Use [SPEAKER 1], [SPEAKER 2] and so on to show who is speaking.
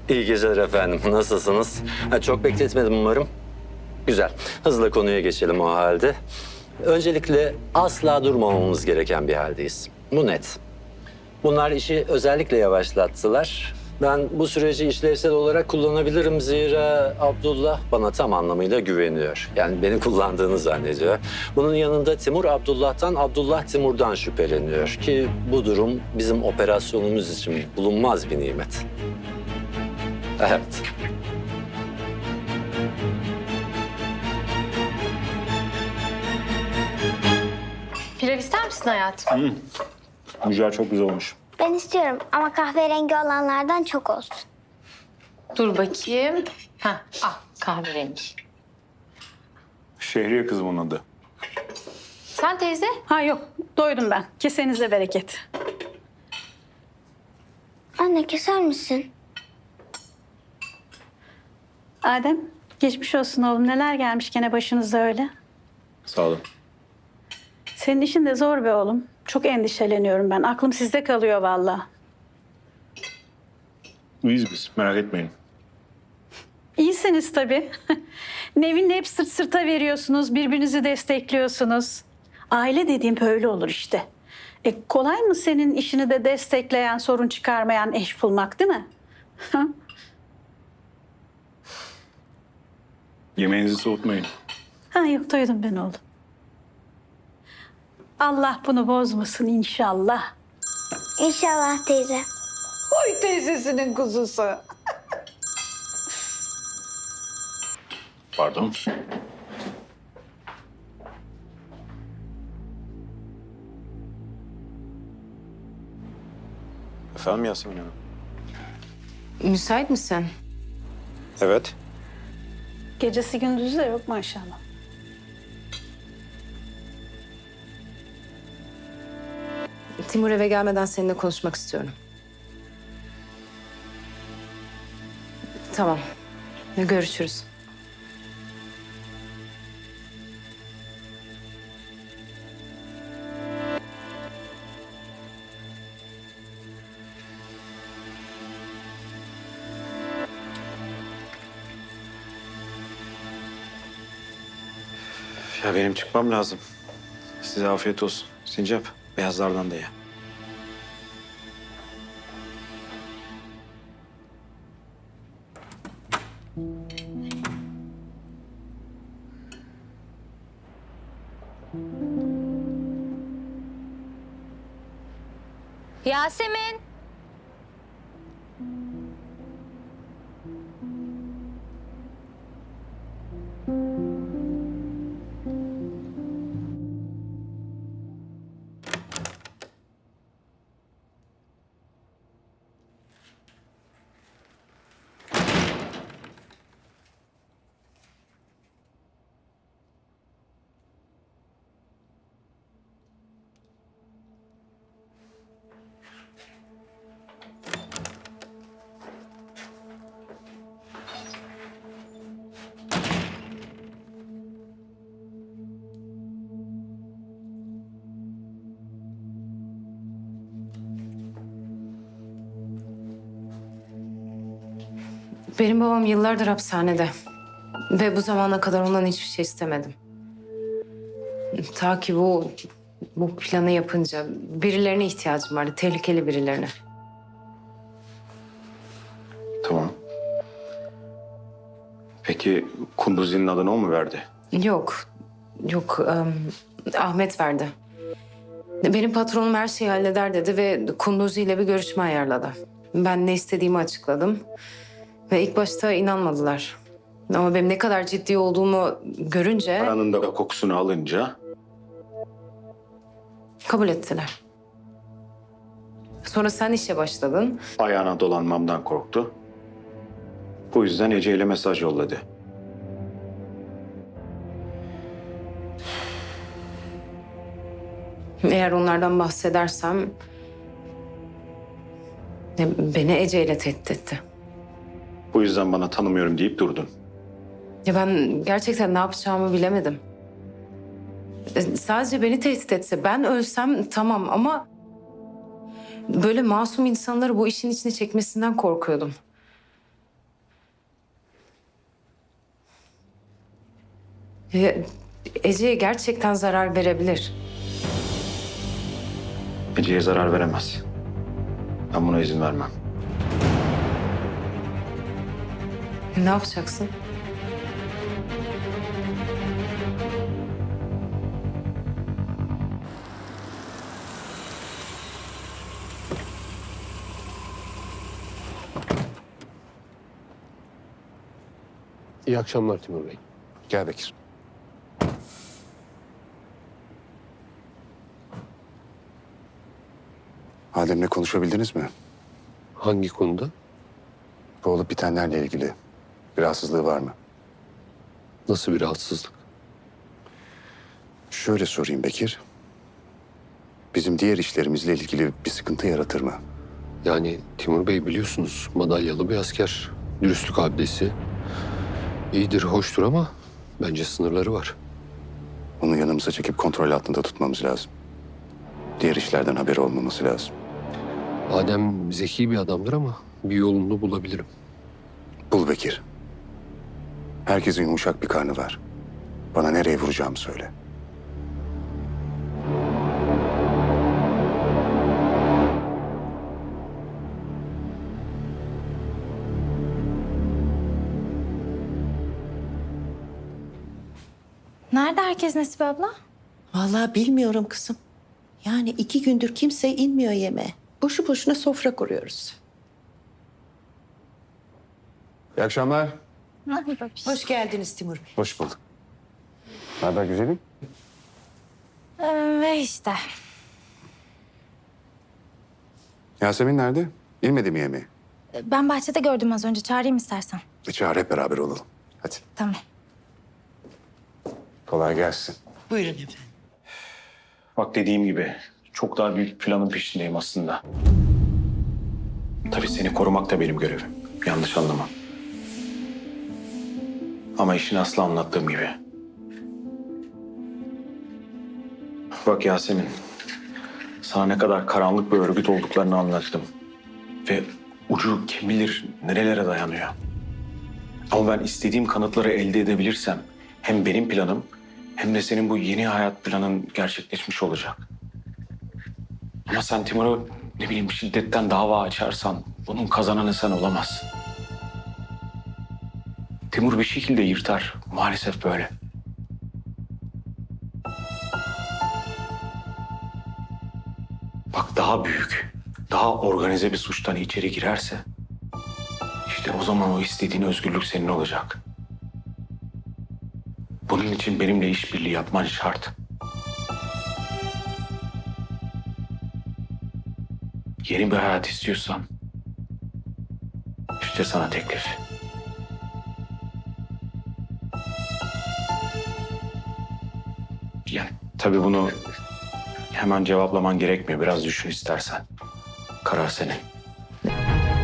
[SPEAKER 1] İyi geceler efendim. Nasılsınız? Çok bekletmedim umarım. Güzel. Hızla konuya geçelim o halde. Öncelikle asla durmamamız gereken bir haldeyiz. Bu net. Bunlar işi özellikle yavaşlattılar. Ben bu süreci işlevsel olarak kullanabilirim zira Abdullah bana tam anlamıyla güveniyor. Yani beni kullandığını zannediyor. Bunun yanında Timur Abdullah'tan, Abdullah Timur'dan şüpheleniyor ki bu durum bizim operasyonumuz için bulunmaz bir nimet. Evet.
[SPEAKER 2] Pilav ister misin hayatım?
[SPEAKER 3] Mücver çok güzel olmuş.
[SPEAKER 4] Ben istiyorum ama kahverengi olanlardan çok olsun.
[SPEAKER 2] Dur bakayım. Kahverengi.
[SPEAKER 3] Şehriye kızım onun adı.
[SPEAKER 2] Sen teyze?
[SPEAKER 5] Ha yok, doydum ben. Kesenize bereket.
[SPEAKER 4] Anne keser misin?
[SPEAKER 5] Adem, geçmiş olsun oğlum. Neler gelmiş gene başınıza öyle.
[SPEAKER 3] Sağ olun.
[SPEAKER 5] Senin işin de zor be oğlum. Çok endişeleniyorum ben. Aklım sizde kalıyor vallahi.
[SPEAKER 3] İyiyiz biz, merak etmeyin.
[SPEAKER 5] İyisiniz tabii. Nevin'le hep sırt sırta veriyorsunuz, birbirinizi destekliyorsunuz. Aile dediğim böyle olur işte. Kolay mı senin işini de destekleyen, sorun çıkarmayan eş bulmak, değil mi?
[SPEAKER 3] Yemeğinizi soğutmayın.
[SPEAKER 5] Ha yok, doydum ben oğlum. Allah bunu bozmasın inşallah.
[SPEAKER 4] İnşallah teyze.
[SPEAKER 5] Oy teyzesinin kuzusu.
[SPEAKER 3] Pardon. Efendim Yasemin Hanım?
[SPEAKER 2] Müsait misin?
[SPEAKER 3] Evet.
[SPEAKER 5] Gecesi gündüzü de yok maşallah.
[SPEAKER 2] Timur eve gelmeden seninle konuşmak istiyorum. Tamam. Görüşürüz.
[SPEAKER 6] Ya benim çıkmam lazım. Size afiyet olsun. Sincap, beyazlardan da ye.
[SPEAKER 7] Yasemin.
[SPEAKER 2] Benim babam yıllardır hapishanede. Ve bu zamana kadar ondan hiçbir şey istemedim. Ta ki bu planı yapınca birilerine ihtiyacım vardı. Tehlikeli birilerine.
[SPEAKER 6] Tamam. Peki Kunduzi'nin adını o mu verdi?
[SPEAKER 2] Yok. Ahmet verdi. Benim patronum her şeyi halleder dedi ve Kunduzi ile bir görüşme ayarladı. Ben ne istediğimi açıkladım. Ve ilk başta inanmadılar. Ama benim ne kadar ciddi olduğumu görünce
[SPEAKER 6] Paranın da kokusunu alınca
[SPEAKER 2] kabul ettiler. Sonra sen işe başladın.
[SPEAKER 6] ayağına dolanmamdan korktu. Bu yüzden Ece ile mesaj yolladı.
[SPEAKER 2] Eğer onlardan bahsedersem beni Ece ile tehdit etti.
[SPEAKER 6] Bu yüzden bana tanımıyorum deyip durdun.
[SPEAKER 2] Ya ben gerçekten ne yapacağımı bilemedim. Sadece beni tehdit etse, ben ölsem tamam ama böyle masum insanları bu işin içine çekmesinden korkuyordum. Ece'ye gerçekten zarar verebilir.
[SPEAKER 6] Ece'ye zarar veremez. Ben buna izin vermem.
[SPEAKER 2] Ne yapacaksın?
[SPEAKER 7] İyi akşamlar Timur Bey.
[SPEAKER 8] Gel Bekir. Adem'le konuşabildiniz mi?
[SPEAKER 7] Hangi konuda?
[SPEAKER 8] Bu olup bitenlerle ilgili bir rahatsızlığı var mı?
[SPEAKER 7] Nasıl bir rahatsızlık?
[SPEAKER 8] Şöyle sorayım Bekir. Bizim diğer işlerimizle ilgili bir sıkıntı yaratır mı?
[SPEAKER 7] Yani Timur Bey biliyorsunuz madalyalı bir asker. Dürüstlük abidesi. İyidir, hoştur ama bence sınırları var.
[SPEAKER 8] Onu yanımıza çekip kontrol altında tutmamız lazım. Diğer işlerden haberi olmaması lazım.
[SPEAKER 7] Adem zeki bir adamdır ama bir yolunu bulabilirim.
[SPEAKER 8] Bul Bekir. Herkesin yumuşak bir karnı var. Bana nereye vuracağımı söyle.
[SPEAKER 9] Nerede herkes Nesibe abla?
[SPEAKER 10] Vallahi bilmiyorum kızım. Yani 2 gündür kimse inmiyor yemeğe. Boşu boşuna sofra kuruyoruz.
[SPEAKER 8] İyi akşamlar.
[SPEAKER 10] Hoş geldiniz Timur Bey.
[SPEAKER 8] Hoş bulduk. Ne haber güzelim?
[SPEAKER 9] Ve işte.
[SPEAKER 8] Yasemin nerede? İnmedi mi yemeğe?
[SPEAKER 9] Ben bahçede gördüm az önce. Çağırayım istersen.
[SPEAKER 8] Çağır hep beraber olalım. Hadi.
[SPEAKER 9] Tamam.
[SPEAKER 8] Kolay gelsin.
[SPEAKER 10] Buyurun efendim.
[SPEAKER 6] Bak dediğim gibi çok daha büyük planın peşindeyim aslında. Tabii seni korumak da benim görevim. Yanlış anlama. Ama işin aslı anlattığım gibi. Bak Yasemin, sana ne kadar karanlık bir örgüt olduklarını anlattım. Ve ucu kim bilir nerelere dayanıyor. Ama ben istediğim kanıtları elde edebilirsem hem benim planım hem de senin bu yeni hayat planın gerçekleşmiş olacak. Ama sen Timur'a ne bileyim şiddetten dava açarsan bunun kazananı sen olamazsın. Timur bir şekilde yırtar. Maalesef böyle. Bak daha büyük, daha organize bir suçtan içeri girerse işte o zaman o istediğin özgürlük senin olacak. Bunun için benimle işbirliği yapman şart. Yeni bir hayat istiyorsan işte sana teklif. Yani tabii bunu hemen cevaplaman gerekmiyor. Biraz düşün istersen. Karar senin.